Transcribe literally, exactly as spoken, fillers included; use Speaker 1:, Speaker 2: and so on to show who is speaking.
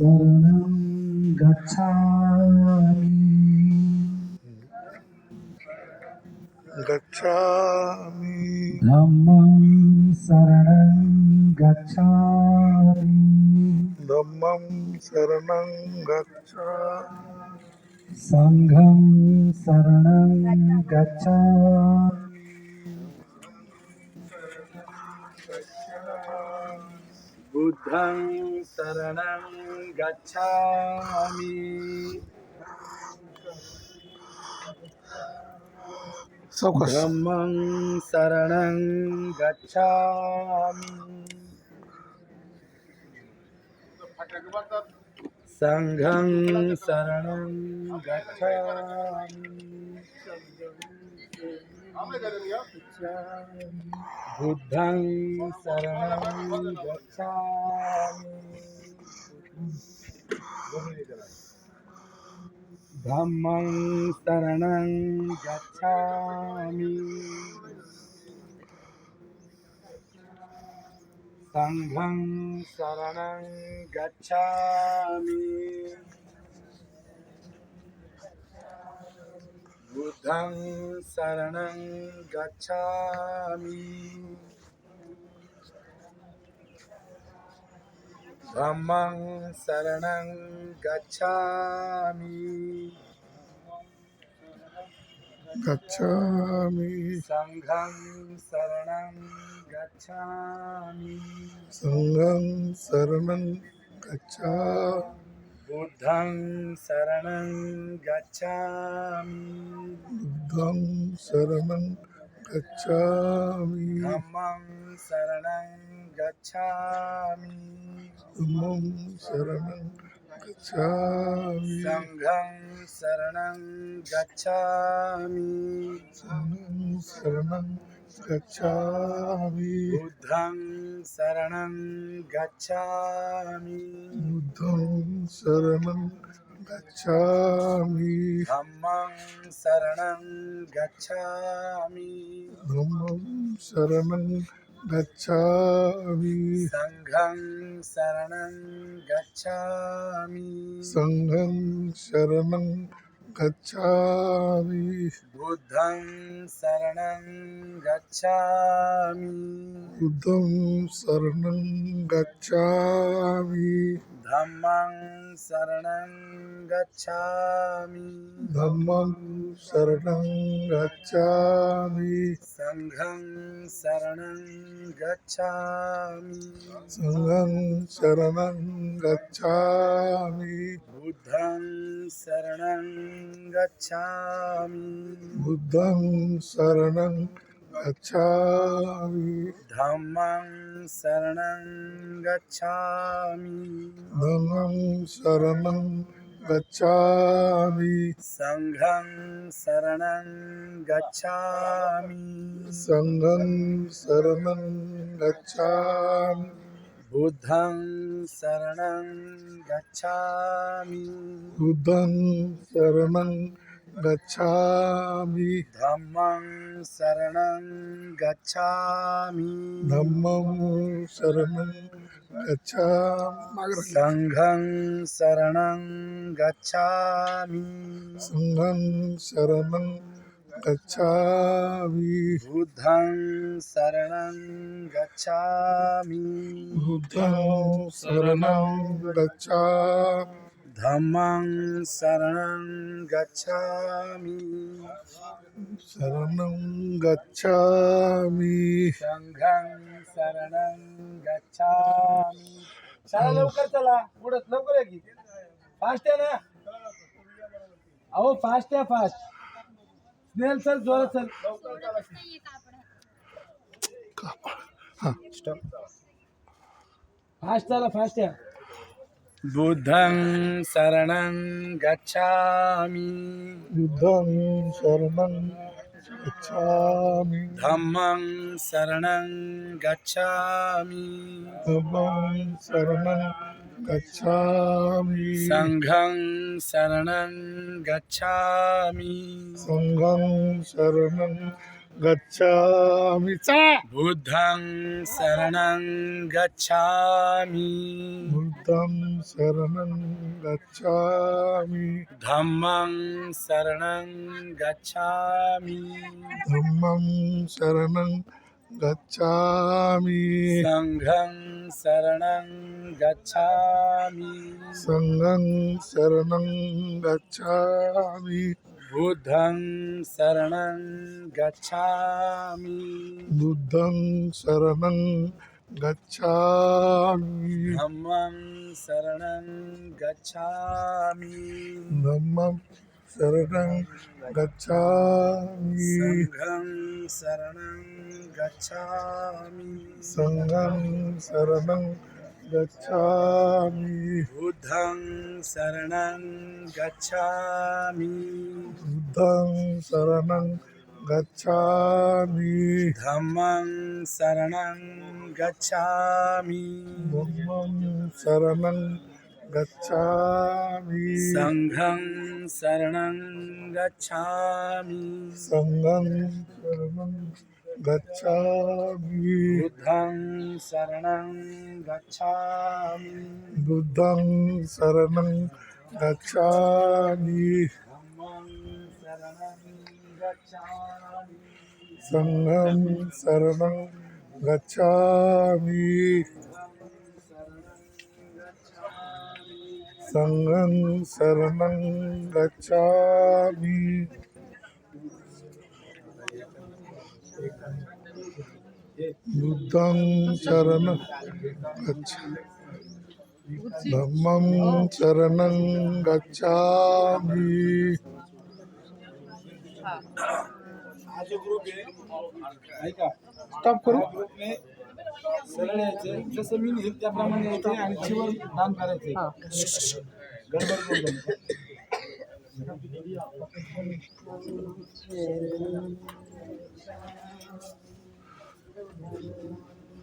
Speaker 1: शरणं गच्छामि
Speaker 2: गच्छामि
Speaker 1: धम्मं शरणं गच्छामि
Speaker 2: धम्मं शरणं गच्छामि
Speaker 1: संघं शरणं गच्छामि बुद्धं शरणं गच्छामि
Speaker 2: सावकाश
Speaker 1: धम्मं शरणं गच्छामि संघं शरणं गच्छामि बुद्धं शरणं गच्छामि धम्मं शरणं गच्छामि संघं शरणं गच्छामि बुद्धं शरणं गच्छामि धम्मं शरणं गच्छामि
Speaker 2: गच्छामि
Speaker 1: संघं शरणं गच्छामि
Speaker 2: संघं शरणं गच्छामि
Speaker 1: बुद्धं शरणं गच्छामि
Speaker 2: बुद्धं शरणं गच्छामि
Speaker 1: धम्मं शरणं गच्छामि
Speaker 2: धम्मं शरणं गच्छामि
Speaker 1: संघं शरणं गच्छामि
Speaker 2: संघं शरणं गच्छामि
Speaker 1: बुद्धं शरणं गच्छामि
Speaker 2: बुद्धं शरणं गच्छामि
Speaker 1: धम्मं शरणं गच्छामि
Speaker 2: धम्मं शरणं गच्छामि
Speaker 1: संघं शरणं गच्छामि
Speaker 2: संघं शरणं गच्छामि
Speaker 1: बुद्धं शरणं गच्छामि
Speaker 2: बुद्धं शरणं गच्छामि
Speaker 1: धम्मं शरणं गच्छामि
Speaker 2: धम्मं शरणं गच्छामि
Speaker 1: संघं शरणं गच्छामि
Speaker 2: संघं शरणं गच्छामि
Speaker 1: बुद्धं शरणं गच्छामि
Speaker 2: बुद्धं शरणं गच्छामि
Speaker 1: धम्मं शरणं गच्छामि
Speaker 2: धम्मं शरणं गच्छामि
Speaker 1: संघं शरणं गच्छामि
Speaker 2: संघं शरणं गच्छामि
Speaker 1: बुद्धं शरणं गच्छामि
Speaker 2: बुद्धं शरणं गच्छामि
Speaker 1: धम्मं शरणं गच्छामि
Speaker 2: धम्मं शरणं गच्छामि
Speaker 1: संघं शरणं गच्छामि
Speaker 2: संघं शरणं गच्छामि
Speaker 1: बुद्धं शरणं गच्छामि
Speaker 2: बुद्धं शरणं गच्छामि
Speaker 1: धम्मं शरणं गच्छामि
Speaker 2: शरणं गच्छामि
Speaker 1: संघं शरणं गच्छामी. चला लवकर चला, उडत लवकर आहे की फास्ट आहे ना. अहो फास्ट आहे, फास्ट स्नेल सर, जोरात सर.
Speaker 2: हां
Speaker 1: फास्ट चला, फास्ट आहे. बुद्धं शरणं गच्छामि
Speaker 2: बुद्धं शरणं गच्छामि
Speaker 1: धम्मं शरणं गच्छामि
Speaker 2: धम्मं शरणं गच्छामि
Speaker 1: संघं शरणं गच्छामि
Speaker 2: संघं शरणं गच्छामि चला
Speaker 1: बुद्धं शरणं गच्छामि
Speaker 2: बुद्धं शरणं गच्छामि
Speaker 1: धम्मं शरणं गच्छामि
Speaker 2: धम्मं शरणं गच्छामि
Speaker 1: संघं शरणं गच्छामि
Speaker 2: संघं शरणं गच्छामि
Speaker 1: बुद्धं शरणं गच्छामि
Speaker 2: बुद्धं शरणं गच्छामि
Speaker 1: धम्मं शरणं गच्छामि
Speaker 2: धम्मं शरणं गच्छामि
Speaker 1: संघं शरणं गच्छामि
Speaker 2: संघं शरणं गच्छामि
Speaker 1: बुद्धं शरणं गच्छामि
Speaker 2: बुद्धं शरणं गच्छामि
Speaker 1: धम्मं शरणं गच्छामि
Speaker 2: धम्मं शरणं गच्छामि
Speaker 1: संघं शरणं गच्छामि
Speaker 2: संघं शरणं गच्छामि
Speaker 1: बुद्धं शरणं गच्छामि
Speaker 2: बुद्धं शरणं गच्छामि
Speaker 1: धम्मं शरणं गच्छामि
Speaker 2: संघं शरणं गच्छामि संघं शरणं गच्छामि बुद्धं शरणं गच्छामि धम्मं शरणं गच्छामि
Speaker 1: हा जो ग्रुप आहे ऐका
Speaker 2: स्टॉप करू
Speaker 1: ग्रुपने सरळ यायचे जसं मी लिहिलं त्याप्रमाणे यायचे आणि चिवर दान करायचे गडबड करू नका.